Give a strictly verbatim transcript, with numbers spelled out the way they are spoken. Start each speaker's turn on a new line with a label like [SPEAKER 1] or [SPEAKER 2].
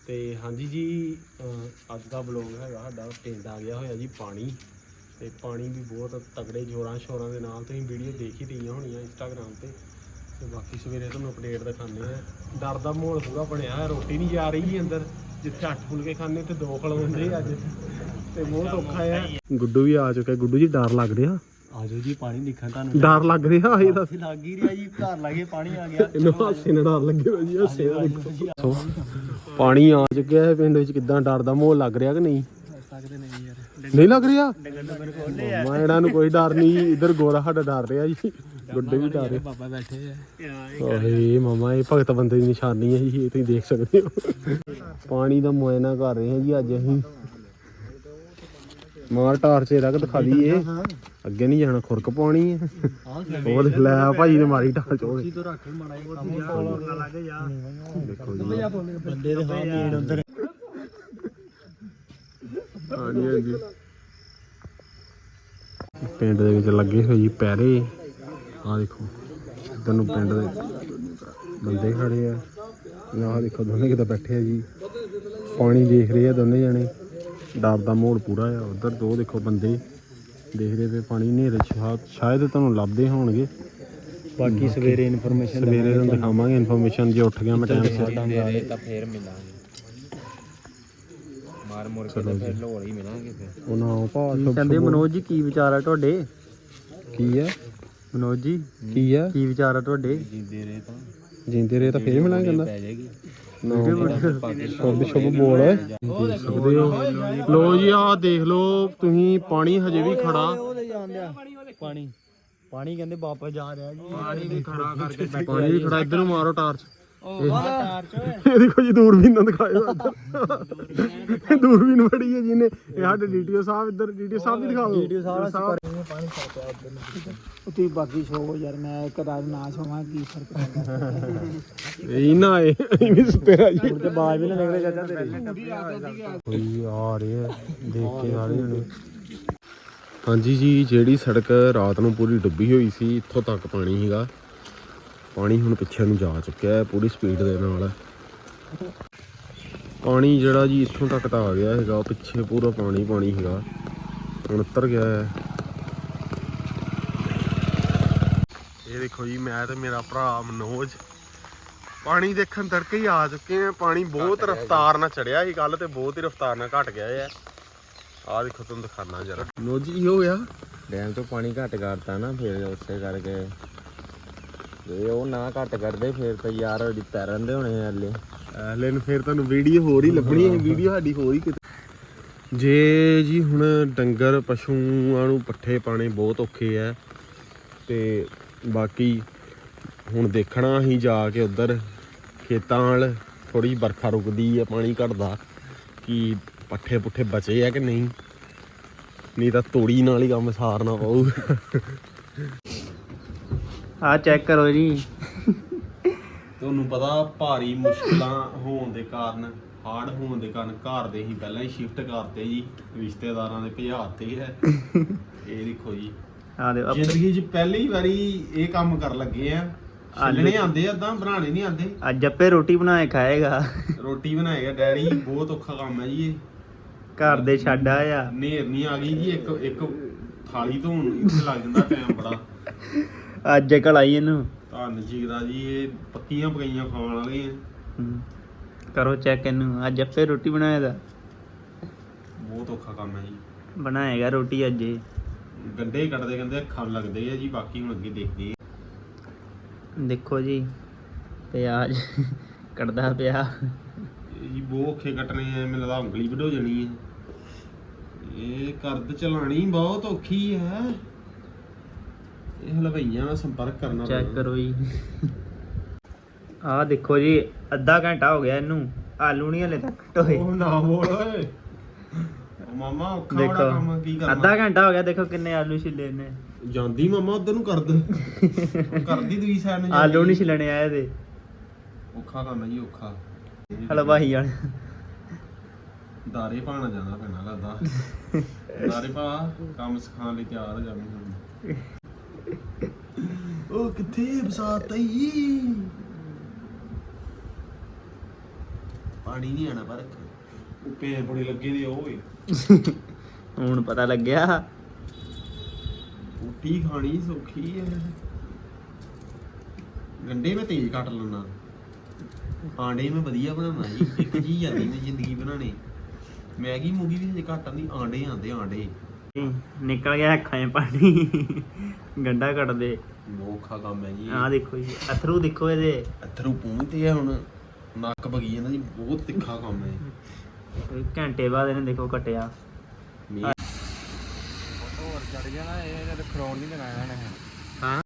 [SPEAKER 1] ਤੇ ਹਾਂਜੀ ਜੀ ਅੱਜ ਦਾ ਵਲੋਗ ਹੈਗਾ ਸਾਡਾ ਪਿੰਡ ਆ ਗਿਆ ਹੋਇਆ ਜੀ ਪਾਣੀ ਤੇ ਪਾਣੀ ਵੀ ਬਹੁਤ ਤਗੜੇ ਜ਼ੋਰਾਂ ਸ਼ੋਰਾਂ ਦੇ ਨਾਲ ਤੁਸੀਂ ਵੀਡੀਓ ਦੇਖ ਹੀ ਰਹੀਆਂ ਹੋਣੀਆਂ ਇੰਸਟਾਗ੍ਰਾਮ ਤੇ ਤੇ ਬਾਕੀ ਸਵੇਰੇ ਤੁਹਾਨੂੰ ਅਪਡੇਟ ਦਿਖਾਉਂਦੇ ਆ। ਡਰ ਦਾ ਮਾਹੌਲ ਪੂਰਾ ਬਣਿਆ, ਰੋਟੀ ਨਹੀਂ ਜਾ ਰਹੀ ਜੀ ਅੰਦਰ, ਜਿੱਥੇ ਅੱਠ ਫੁਲਕੇ ਖਾਣੇ ਤੇ ਦੋ ਖਲਵਾਉਂਦੇ ਅੱਜ ਤੇ ਬਹੁਤ ਔਖਾ ਆ। ਗੁੱਡੂ ਵੀ ਆ ਚੁੱਕਾ। ਗੁੱਡੂ ਜੀ ਡਰ ਲੱਗ ਰਿਹਾ?
[SPEAKER 2] ਆਜੋ ਜੀ ਪਾਣੀ ਦੇਖਾਂ ਤੁਹਾਨੂੰ।
[SPEAKER 1] ਡਰ ਲੱਗ ਰਿਹਾ? ਇਹ ਦੱਸ।
[SPEAKER 2] ਲੱਗ ਹੀ ਰਿਹਾ ਜੀ, ਘਰ ਲਾਗੇ ਪਾਣੀ ਆ ਗਿਆ।
[SPEAKER 1] ਇਹਨੂੰ ਹਾਸੇ ਨਾਲ ਡਰ ਲੱਗੇ ਹੋਇਆ ਜੀ, ਹਾਸੇ ਨਾਲ ਦੇਖੋ ਪਾਣੀ ਆ ਚੁੱਕਿਆ ਹੈ ਪਿੰਡ ਵਿੱਚ। ਕਿੱਦਾਂ ਡਰ ਦਾ ਮਾਹੌਲ ਲੱਗ ਰਿਹਾ ਕਿ ਨਹੀਂ?
[SPEAKER 2] ਸਕਦੇ ਨਹੀਂ ਯਾਰ,
[SPEAKER 1] ਨਹੀਂ ਲੱਗ ਰਿਹਾ?
[SPEAKER 2] ਡੰਗਰ ਡੰਗਰ ਖੋਲੇ ਆ।
[SPEAKER 1] ਮਾਂ ਇਹਨਾਂ ਨੂੰ ਕੋਈ ਡਰ ਨਹੀਂ। ਇੱਧਰ ਗੋਰਾ ਸਾਡਾ ਡਰ ਰਿਹਾ ਜੀ, ਗੁੱਡੇ ਵੀ ਡਰ ਰਹੇ।
[SPEAKER 2] ਬਾਬਾ ਬੈਠੇ ਆ।
[SPEAKER 1] ਓਏ ਮਾਮਾ ਇਹ ਭਗਤ ਬੰਦੇ ਦੀ ਨਿਸ਼ਾਨੀ ਹੈ ਜੀ, ਇਹ ਤੁਸੀਂ ਦੇਖ ਸਕਦੇ ਹੋ। ਪਾਣੀ ਦਾ ਮੁਆਇਨਾ ਕਰ ਰਹੇ ਹਾਂ ਜੀ ਅੱਜ ਅਸੀਂ। ਮਾਰ ਟਾਰਚ ਰੱਖ ਦਿਖਾ ਦਈਏ, ਅੱਗੇ ਨਹੀਂ ਜਾਣਾ, ਖੁਰਕ ਪਾਉਣੀ ਹੈ। ਉਹ ਦੇਖ ਲੈ ਭਾਈ ਨੇ ਮਾਰੀ ਟਾਰਚ। ਉਹ
[SPEAKER 2] ਤੋਂ ਰੱਖ ਮਾੜਾ ਜਿਹਾ ਲੱਗ ਜਾ।
[SPEAKER 1] ਦੇਖੋ ਜੀ
[SPEAKER 2] ਬੰਦੇ ਦੇ ਹਾਂ ਮੀੜ ਉਧਰ।
[SPEAKER 1] ਹਾਂਜੀ ਹਾਂਜੀ ਪਿੰਡ ਦੇ ਵਿੱਚ ਲੱਗੇ ਹੋਏ ਜੀ ਪੈਰੇ। ਆਹ ਦੇਖੋ ਇੱਧਰ ਨੂੰ ਪਿੰਡ ਦੇ ਬੰਦੇ ਖੜੇ ਆ। ਆਹ ਦੇਖੋ ਦੋਨੇ ਕਿਤੇ ਬੈਠੇ ਆ ਜੀ, ਪਾਣੀ ਦੇਖ ਰਹੇ ਆ ਦੋਨੇ ਜਣੇ। ਡਰ ਦਾ ਮਾਹੌਲ ਪੂਰਾ ਆ। ਉਧਰ ਦੋ ਦੇਖੋ ਬੰਦੇ ਦੇਖ ਰਹੇ ਪਏ ਪਾਣੀ। ਹਨੇਰੇ ਸ਼ਾਇਦ ਤੁਹਾਨੂੰ ਲੱਭਦੇ ਹੋਣਗੇ।
[SPEAKER 2] ਬਾਕੀ ਸਵੇਰੇ ਇਨਫੋਰਮੇਸ਼ਨ
[SPEAKER 1] ਸਵੇਰੇ ਤੁਹਾਨੂੰ ਦਿਖਾਵਾਂਗੇ ਇਨਫੋਰਮੇਸ਼ਨ। ਜੇ ਉੱਠ ਗਿਆ ਮੈਂ ਟਾਈਮ ਸਿਰ
[SPEAKER 2] ਤਾਂ ਫੇਰ ਮਿਲਾਂਗੇ। ਮਾਰ ਮੁਰ ਕੇ ਫਿਰ ਲੋੜ ਹੀ ਮਿਲਾਂਗੇ ਫਿਰ।
[SPEAKER 1] ਉਹ ਨਾ ਭਾਅ
[SPEAKER 2] ਕਹਿੰਦੇ ਮਨੋਜ ਜੀ ਕੀ ਵਿਚਾਰ ਆ ਤੁਹਾਡੇ?
[SPEAKER 1] ਕੀ ਆ
[SPEAKER 2] ਮਨੋਜ ਜੀ
[SPEAKER 1] ਕੀ ਆ
[SPEAKER 2] ਕੀ ਵਿਚਾਰ ਆ ਤੁਹਾਡੇ? ਜਿੰਦੇ ਰਹੇ ਤਾਂ
[SPEAKER 1] ਜਿੰਦੇ ਰਹੇ ਤਾਂ ਫੇਰ ਮਿਲਾਂਗੇ। ਕਹਿੰਦਾ
[SPEAKER 2] ਪੈ ਜਾਏਗੀ
[SPEAKER 1] ਸ਼ੁਭ ਸ਼ੁਭ ਬੋਲ ਦੇਖ ਸਕਦੇ ਹੋ। ਲੋ ਜੀ ਆਹ ਦੇਖ ਲਓ ਤੁਸੀਂ, ਪਾਣੀ ਹਜੇ ਵੀ ਖੜਾ।
[SPEAKER 2] ਪਾਣੀ ਪਾਣੀ ਕਹਿੰਦੇ ਵਾਪਸ ਜਾ ਰਿਹਾ ਜੀ।
[SPEAKER 1] ਪਾਣੀ ਵੀ ਖੜਾ ਕਰਕੇ ਪਾਣੀ ਵੀ ਖੜਾ। ਇੱਧਰ ਨੂੰ ਮਾਰੋ ਟਾਰਚ।
[SPEAKER 2] ਟਾਰਚ
[SPEAKER 1] ਇਹ ਦੇਖੋ ਜੀ ਦੂਰਬੀਨ ਨਾਲ ਦਿਖਾਇਓ। ਦੂਰਬੀਨ ਬੜੀ ਹੈ ਜਿਹਨੇ। ਇਹ ਸਾਡੇ ਡੀਟੀਓ ਸਾਹਿਬ, ਇੱਧਰ ਡੀਟੀਓ ਸਾਹਿਬ ਵੀ ਦਿਖਾ ਦਿਓ।
[SPEAKER 2] ਡੀਟੀਓ ਸਾਹਿਬ ਪਾਣੀ ਛੱਡਿਆ ਉੱਧਰ ਨੂੰ। ਤੁਸੀਂ ਬਾਕੀ ਸ਼ੋਅ ਯਾਰ, ਮੈਂ ਇੱਕ ਰਾਤ ਨਾ ਸੋਵਾਂ ਕੀ ਫਰਕ ਪੈਂਦਾ।
[SPEAKER 1] ਇਹ ਨਾ ਆਏ ਐਵੇਂ ਸੁੱਤੇ ਆ ਜੀ।
[SPEAKER 2] ਤੇ ਬਾਜ ਵੀ ਨਾ ਨਿਕਲੇ ਚਾਚਾ ਤੇਰੇ।
[SPEAKER 1] ਕੋਈ ਆ ਰਹੇ ਆ ਦੇਖ ਕੇ ਸਾਰੇ ਜਣੇ। ਹਾਂਜੀ ਜੀ ਜਿਹੜੀ ਸੜਕ ਰਾਤ ਨੂੰ ਪੂਰੀ ਡੁੱਬੀ ਹੋਈ ਸੀ, ਇੱਥੋਂ ਤੱਕ ਪਾਣੀ ਸੀਗਾ। ਪਾਣੀ ਹੁਣ ਪਿੱਛੇ ਨੂੰ ਜਾ ਚੁੱਕਿਆ ਹੈ ਪੂਰੀ ਸਪੀਡ ਦੇ ਨਾਲ। ਪਾਣੀ ਜਿਹੜਾ ਜੀ ਇੱਥੋਂ ਤੱਕ ਤਾਂ ਆ ਗਿਆ ਹੈਗਾ, ਪਿੱਛੇ ਪੂਰਾ ਪਾਣੀ ਪਾਣੀ ਹੈਗਾ। ਹੁਣ ਉਤਰ ਗਿਆ ਹੈ। ਇਹ ਦੇਖੋ ਜੀ ਮੈਂ ਤੇ ਮੇਰਾ ਭਰਾ ਮਨੋਜ ਪਾਣੀ ਦੇਖਣ ਤੜਕੇ ਹੀ ਆ ਚੁੱਕੇ ਆ। ਪਾਣੀ ਬਹੁਤ ਰਫਤਾਰ ਨਾਲ ਚੜਿਆ ਸੀ ਕੱਲ ਤੇ ਬਹੁਤ ਹੀ ਰਫਤਾਰ ਨਾਲ ਘਟ ਗਿਆ ਹੈ। ਆਹ ਦੇਖੋ ਤੁਹਾਨੂੰ ਦਿਖਾਣਾ ਜਰਾ। ਮਨੋਜ ਜੀ ਹੋ ਗਿਆ
[SPEAKER 2] ਡੈਮ ਤੋਂ ਪਾਣੀ ਘੱਟ ਕਰਤਾ ਨਾ, ਫਿਰ ਉਸੇ ਕਰਕੇ। ਜੇ ਉਹ ਨਾ ਘੱਟ ਕਰਦੇ ਫਿਰ ਤਾਂ ਯਾਰ ਤੈਰਨ ਦੇ ਹੋਣੇ ਹਲੇ
[SPEAKER 1] ਹਲੇ ਨੂੰ ਫਿਰ ਤੁਹਾਨੂੰ ਵੀਡੀਓ ਹੋਰ ਹੀ ਲੱਭਣੀ ਹੈ। ਵੀਡੀਓ ਸਾਡੀ ਹੋਰ ਹੀ ਕਿਤੇ। ਜੇ ਜੀ ਹੁਣ ਡੰਗਰ ਪਸ਼ੂਆਂ ਨੂੰ ਪੱਠੇ ਪਾਣੇ ਬਹੁਤ ਔਖੇ ਹੈ ਤੇ ਬਾਕੀ ਹੁਣ ਦੇਖਣਾ ਅਸੀਂ ਜਾ ਕੇ ਉੱਧਰ ਖੇਤਾਂ ਨਾਲ। ਥੋੜੀ ਬਰਖਾ ਰੁਕਦੀ ਹੈ, ਪਾਣੀ ਘਟਦਾ, ਕਿ ਪੱਠੇ ਪੁੱਠੇ ਬਚੇ ਆ ਕਿ ਨਹੀਂ, ਨਹੀਂ ਤਾਂ ਤੋੜੀ ਨਾਲ ਹੀ ਕੰਮ ਸਾਰਨਾ ਪਊਗਾ।
[SPEAKER 2] ਆ ਚੈੱਕ ਕਰੋ ਜੀ।
[SPEAKER 1] ਤੁਹਾਨੂੰ ਪਤਾ ਭਾਰੀ ਮੁਸ਼ਕਲਾਂ ਹੋਣ ਦੇ ਕਾਰਨ, ਹਾਰਡ ਹੋਣ ਦੇ ਕਾਰਨ ਘਰ ਦੇ ਹੀ ਪਹਿਲਾਂ ਹੀ ਸ਼ਿਫਟ ਕਰਤੇ ਜੀ, ਰਿਸ਼ਤੇਦਾਰਾਂ ਦੇ ਭਜਾਤੇ ਹੈ। ਇਹ ਦੇਖੋ ਜੀ
[SPEAKER 2] ਆ ਦੇ
[SPEAKER 1] ਜ਼ਿੰਦਗੀ 'ਚ ਪਹਿਲੀ ਵਾਰੀ ਇਹ ਕੰਮ ਕਰਨ ਲੱਗੇ ਆ। ਛਿੱਲਣੇ ਆਉਂਦੇ ਏਦਾਂ, ਬਣਾਉਣੇ ਨਹੀਂ ਆਉਂਦੇ।
[SPEAKER 2] ਅੱਜ ਜੱਪੇ ਰੋਟੀ ਬਣਾਏ ਖਾਏਗਾ।
[SPEAKER 1] ਰੋਟੀ ਬਣਾਏਗਾ ਡੈਡੀ। ਬਹੁਤ ਔਖਾ ਕੰਮ ਹੈ ਜੀ ਇਹ।
[SPEAKER 2] ਘਰ ਦੇ ਛੱਡ ਆਇਆ।
[SPEAKER 1] ਨੇਰਨੀ ਆ ਗਈ ਜੀ। ਇੱਕ ਇੱਕ ਥਾਲੀ ਧੋਣ ਇੱਥੇ ਲੱਗ ਜਾਂਦਾ ਟਾਈਮ ਬੜਾ।
[SPEAKER 2] ਅੱਜ ਕਲਾਈ ਇਹਨੂੰ
[SPEAKER 1] ਧੰਨ ਜੀਗਦਾ ਜੀ, ਇਹ ਪੱਕੀਆਂ ਪਕਾਈਆਂ ਖਾਣ ਵਾਲੀਆਂ।
[SPEAKER 2] ਕਰੋ ਚੈੱਕ ਇਹਨੂੰ। ਅੱਜ ਜੱਪੇ ਰੋਟੀ ਬਣਾਇਆ ਦਾ।
[SPEAKER 1] ਬਹੁਤ ਔਖਾ ਕੰਮ ਹੈ ਜੀ।
[SPEAKER 2] ਬਣਾਏਗਾ ਰੋਟੀ ਅੱਜ ਇਹ।
[SPEAKER 1] ਗੰਡੇ ਕੱਟਦੇ ਕਹਿੰਦੇ ਅੱਖਾਂ ਲੱਗਦੇ ਆ ਜੀ। ਬਾਕੀ ਹੁਣ ਅੱਗੇ ਦੇਖਦੇ ਆ।
[SPEAKER 2] ਦੇਖੋ ਜੀ ਪਿਆਜ਼ ਕੱਟਦਾ ਪਿਆ।
[SPEAKER 1] ਇਹ ਜੀ ਬਹੁਤ ਔਖੇ ਕੱਟਣੇ ਆ। ਮੈਨੂੰ ਲੱਗਦਾ ਉਂਗਲੀ ਵੱਢੋ ਜਾਣੀ ਹੈ। ਇਹ ਕਰਦ ਚਲਾਣੀ ਬਹੁਤ ਔਖੀ ਹੈ। ਇਹ ਹਲਵਾਈਆਂ ਨਾਲ ਸੰਪਰਕ ਕਰਨਾ ਪੈਣਾ।
[SPEAKER 2] ਚੈੱਕ ਕਰੋ ਜੀ। ਆਹ ਦੇਖੋ ਜੀ ਅੱਧਾ ਘੰਟਾ ਹੋ ਗਿਆ ਇਹਨੂੰ, ਆਲੂ ਨਹੀਂ ਹਲੇ ਤੱਕ ਟੋਏ।
[SPEAKER 1] ਉਹ ਨਾ ਬੋਲ ਓਏ ਮਾਮਾ, ਔਖਾ ਬੜਾ ਕੰਮ। ਕੀ ਕਰਨਾ?
[SPEAKER 2] ਅੱਧਾ ਘੰਟਾ ਹੋ ਗਿਆ। ਦੇਖੋ ਕਿੰਨੇ ਆਲੂ ਛਿੱਲੇ ਨੇ।
[SPEAKER 1] ਜਾਂਦੀ ਮਾਮਾ ਉਧਰ ਨੂੰ ਕਰਦ ਕਰਦੀ ਦੂਜੀ ਸਾਈਡ ਨੂੰ।
[SPEAKER 2] ਆਲੂ ਨਹੀਂ ਛਿੱਲਣੇ ਆਏ ਤੇ
[SPEAKER 1] ਔਖਾ ਕੰਮ ਹੈ ਜੀ, ਔਖਾ।
[SPEAKER 2] ਹਲਵਾਈ ਵਾਲੇ
[SPEAKER 1] ਦਾਰੇ ਪਾਣਾ ਜਾਣਾ ਪੈਣਾ ਲੱਗਦਾ। ਦਾਰੇ ਪਾ ਕੰਮ ਸਿਖਾਉਣ ਲਈ ਤਿਆਰ ਹੋ ਜਾਣੀ ਹੁਣ। ਉਹ ਕਿੱਥੇ ਬਸਾਤ ਆਈ? ਪਾਣੀ ਨਹੀਂ ਆਣਾ ਪਰ ਉੱਪੇ ਬੜੇ ਲੱਗੇ ਦੇ ਓਏ
[SPEAKER 3] ਹੁਣ ਪਤਾ ਲੱਗਿਆ
[SPEAKER 1] ਰੋਟੀ ਖਾਣੀ ਸੌਖੀ ਹੈ ਗੰਡੇ ਮੈਂ ਤੇਜ਼ ਕੱਟ ਲੈਣਾ ਆਂਡੇ ਮੈਂ ਵਧੀਆ ਬਣਾਉਣਾ ਜੀ ਇੱਕ ਚੀਜ਼ ਆਂਦੀ ਮੈਂ ਜ਼ਿੰਦਗੀ ਬਣਾਉਣੀ ਮੈਗੀ ਮੂਗੀ ਵੀ ਹਜੇ ਘੱਟ ਆਂਦੀ ਆਂਡੇ ਆਂਦੇ ਆਂਡੇ
[SPEAKER 3] ਨਿਕਲ ਗਿਆ ਅੱਖਾਂ 'ਚ ਪਾਣੀ ਗੰਡਾ ਕੱਟਦੇ
[SPEAKER 1] ਔਖਾ ਕੰਮ ਹੈ ਜੀ
[SPEAKER 3] ਆਹ ਦੇਖੋ ਜੀ ਅਥਰੂ ਦੇਖੋ ਇਹਦੇ
[SPEAKER 1] ਅਥਰੂ ਪੂੰਝਦੇ ਆ ਹੁਣ ਨੱਕ ਬਗੀ ਜਾਂਦਾ ਜੀ ਬਹੁਤ ਤਿੱਖਾ ਕੰਮ ਹੈ
[SPEAKER 3] ਘੰਟੇ ਬਾਅਦ ਇਹਨੇ ਦੇਖੋ ਕੱਟਿਆ
[SPEAKER 2] ਹੋਰ ਚੜ ਗਿਆ ਨਾ ਇਹ ਖਰੋਣ ਨਹੀਂ ਦੇਣਾ ਇਹਨਾਂ ਨੇ
[SPEAKER 3] ਹਾਂ